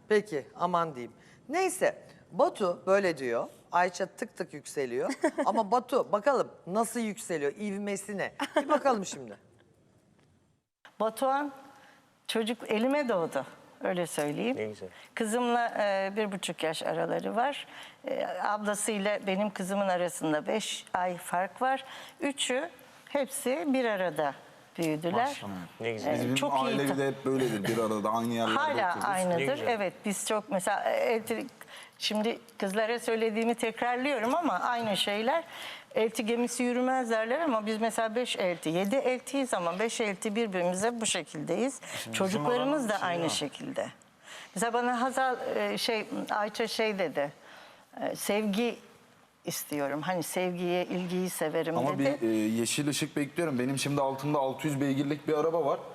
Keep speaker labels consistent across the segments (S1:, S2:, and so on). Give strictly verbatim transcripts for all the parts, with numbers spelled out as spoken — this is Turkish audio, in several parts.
S1: Peki aman diyeyim. Neyse Batu böyle diyor. Ayça tık tık yükseliyor. Ama Batu bakalım nasıl yükseliyor, ivmesi ne? Bir bakalım şimdi.
S2: Batuhan çocuk elime doğdu. Öyle söyleyeyim.
S3: Ne güzel.
S2: Kızımla e, bir buçuk yaş araları var. E, ablasıyla benim kızımın arasında beş ay fark var. Üçü hepsi bir arada büyüdüler.
S3: Ne güzel.
S2: E,
S4: Bizim
S2: çok
S4: aile
S2: iyi.
S4: bir de hep böyledir. Bir arada aynı yerlerde
S2: Hala
S4: otururuz.
S3: Ne
S2: aynıdır.
S3: güzel.
S2: Evet biz çok mesela elti, şimdi kızlara söylediğimi tekrarlıyorum ama aynı şeyler. Elti gemisi yürümez derler ama biz mesela beş elti, yedi eltiyiz ama beş elti birbirimize bu şekildeyiz. Çocuklarımız da aynı şekilde. Mesela bana Hazal e, şey Ayça şey dedi. e, Sevgi istiyorum. Hani sevgiyi, ilgiyi severim
S4: Ama
S2: dedi.
S4: bir e, yeşil ışık bekliyorum. Benim şimdi altımda altı yüz beygirlik bir araba var.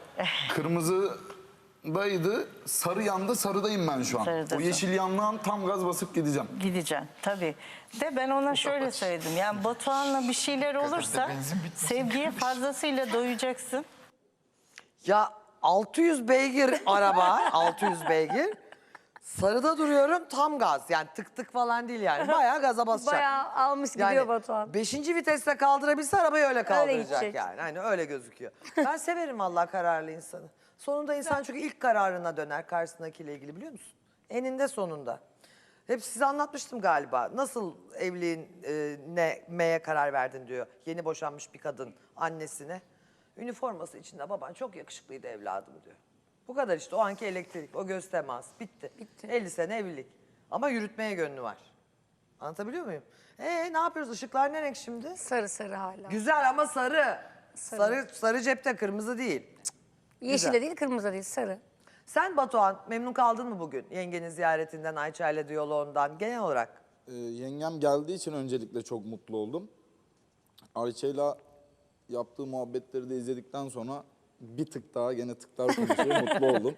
S4: Kırmızıdaydı, sarı yandı, sarıdayım ben şu an.
S2: Sarıdasın.
S4: O yeşil yandan tam gaz basıp gideceğim.
S2: Gideceğim tabii. De ben ona şöyle söyledim. Yani Batuhan'la bir şeyler olursa sevgiye fazlasıyla doyacaksın.
S1: Ya altı yüz beygir araba, altı yüz beygir. Sarıda duruyorum tam gaz. Yani tık tık falan değil yani. Bayağı gaza basacak.
S5: Bayağı almış gidiyor Batuhan.
S1: Beşinci viteste kaldırabilse arabayı öyle kaldıracak
S5: gidecek.
S1: yani. Hani öyle gözüküyor. Ben severim Allah kararlı insanı. Sonunda insan çünkü ilk kararına döner karşısındakiyle ilgili biliyor musun? Eninde sonunda. Hep size anlatmıştım galiba. Nasıl evliliğin e, ne meye karar verdin diyor. Yeni boşanmış bir kadın annesine. Üniforması içinde baban çok yakışıklıydı evladım diyor. Bu kadar işte o anki elektrik, o göz teması bitti.
S5: Bitti.
S1: elli sene evlilik. Ama yürütmeye gönlü var. Anlatabiliyor muyum? Ee ne yapıyoruz? Işıklar ne renk şimdi?
S5: Sarı sarı hala.
S1: Güzel ama sarı.
S5: Sarı.
S1: Sarı sarı cepte, kırmızı değil.
S5: Yeşil
S1: güzel.
S5: de değil, kırmızı da değil, sarı.
S1: Sen Batuhan memnun kaldın mı bugün? Yengenin ziyaretinden, Ayça ile diyaloğundan genel olarak?
S4: Ee, yengem geldiği için öncelikle çok mutlu oldum. Ayça'yla yaptığı muhabbetleri de izledikten sonra bir tık daha gene tıklar konuşuyor, mutlu oldum.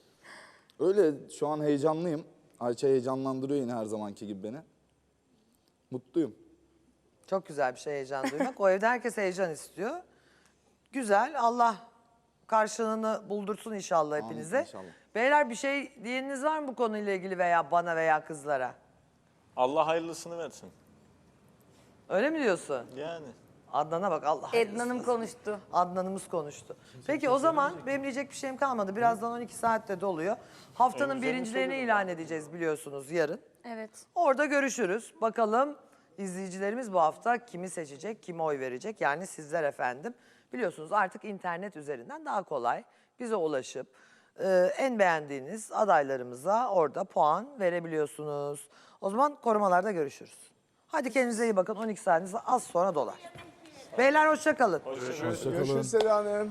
S4: Öyle şu an heyecanlıyım. Ayça heyecanlandırıyor yine her zamanki gibi beni. Mutluyum.
S1: Çok güzel bir şey heyecan duymak. O evde herkes heyecan istiyor. Güzel. Allah karşılığını buldursun inşallah
S4: Amin,
S1: hepinize.
S4: inşallah.
S1: Beyler bir şey diyeniniz var mı bu konuyla ilgili veya bana veya kızlara?
S3: Allah hayırlısını versin.
S1: Öyle mi diyorsun?
S3: Yani.
S1: Adnan'a bak Allah
S5: Ednan'ım
S1: hayırlısı.
S5: konuştu.
S1: Adnan'ımız konuştu. Peki o zaman benim diyecek bir şeyim kalmadı. Birazdan on iki saatte doluyor. Haftanın
S3: En güzelini
S1: birincilerini
S3: söyledim
S1: ilan edeceğiz biliyorsunuz yarın.
S5: Evet.
S1: Orada görüşürüz. Bakalım izleyicilerimiz bu hafta kimi seçecek, kime oy verecek? Yani sizler efendim. Biliyorsunuz artık internet üzerinden daha kolay bize ulaşıp e, en beğendiğiniz adaylarımıza orada puan verebiliyorsunuz. O zaman korumalarda görüşürüz. Hadi kendinize iyi bakın. on iki saatiniz az sonra dolar. Beyler hoşça kalın.
S6: Görüşürüz Seda Hanım.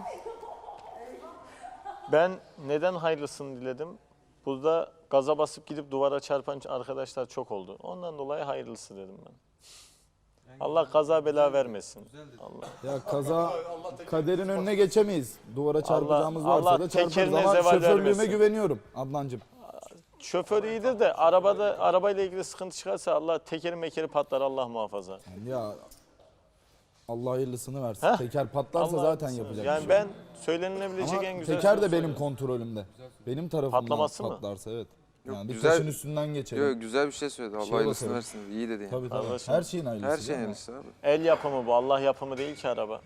S3: Ben neden hayırlısını diledim? Burada gaza basıp gidip duvara çarpan arkadaşlar çok oldu. Ondan dolayı hayırlısı dedim ben. Allah kaza bela vermesin. Allah.
S4: Ya kaza kaderin önüne geçemeyiz. Duvara çarpacağımız
S3: Allah
S4: varsa da çarparız
S3: tekerine
S4: ama
S3: zeval
S4: şoförlüğüme
S3: vermesin.
S4: güveniyorum Adnancığım.
S3: Şoför iyidir de arabada arabayla ilgili sıkıntı çıkarsa Allah tekeri mekeri patlar Allah muhafaza.
S4: Ya Allah hayırlısını versin.
S3: Heh.
S4: Teker patlarsa
S3: Allah
S4: zaten
S3: hayırlısı.
S4: yapacak
S3: Yani
S4: bir şey
S3: ben söylenilebilecek
S4: Ama
S3: en güzel
S4: teker de
S3: sözü
S4: benim
S3: söyledim.
S4: kontrolümde. Benim tarafımdan
S3: Patlaması mı?
S4: patlarsa evet. Yani bir
S6: güzel-
S4: taşın üstünden geçelim.
S6: Yok güzel bir şey söyledi. Allah
S4: Şeye
S6: hayırlısını
S4: bakalım.
S6: versin. İyi dedi yani.
S4: Tabii tabii.
S3: Anlaşıldı.
S4: Her şeyin hayırlısı.
S6: Her şeyin
S4: değil mi?
S6: hayırlısı abi.
S3: El yapımı bu Allah yapımı değil ki araba.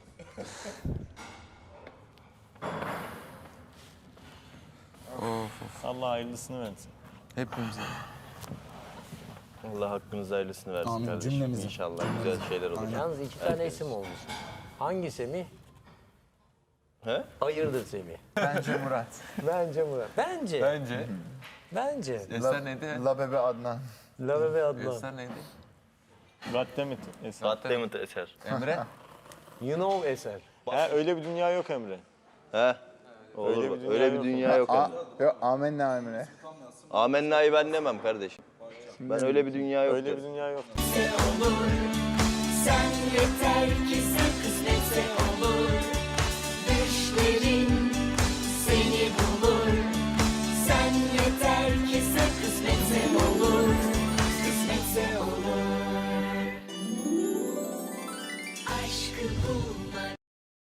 S3: Allah hayırlısını versin.
S6: Hepimize.
S7: Allah hakkınızda hayırlısını versin
S4: Amin,
S7: kardeşim.
S4: cümlemize.
S7: İnşallah güzel şeyler olur.
S8: Yalnız iki tane isim olmuş. Hangi Semih?
S7: He?
S8: Hayırdır Semih?
S9: Bence Murat.
S8: Bence Murat. Bence.
S9: Bence.
S8: Bence.
S9: Eser neydi?
S6: La Bebe Adnan.
S8: Lave ve Adnan.
S9: Eser neydi?
S3: Goddammit Eser.
S7: Goddammit Eser.
S9: Emre.
S8: You know Eser.
S3: He, öyle bir dünya yok Emre.
S7: He? Olur.
S3: Öyle
S7: Öyle
S3: bir
S7: bir
S3: dünya
S7: dünya,
S3: yok.
S7: dünya yok
S6: A
S7: Emre.
S6: yok Amenna Emre.
S7: Amenna'yı ben demem kardeşim. Ben öyle bir dünya yok
S3: Öyle
S7: derim.
S3: bir dünya yok.
S10: Sen yeter ki sakın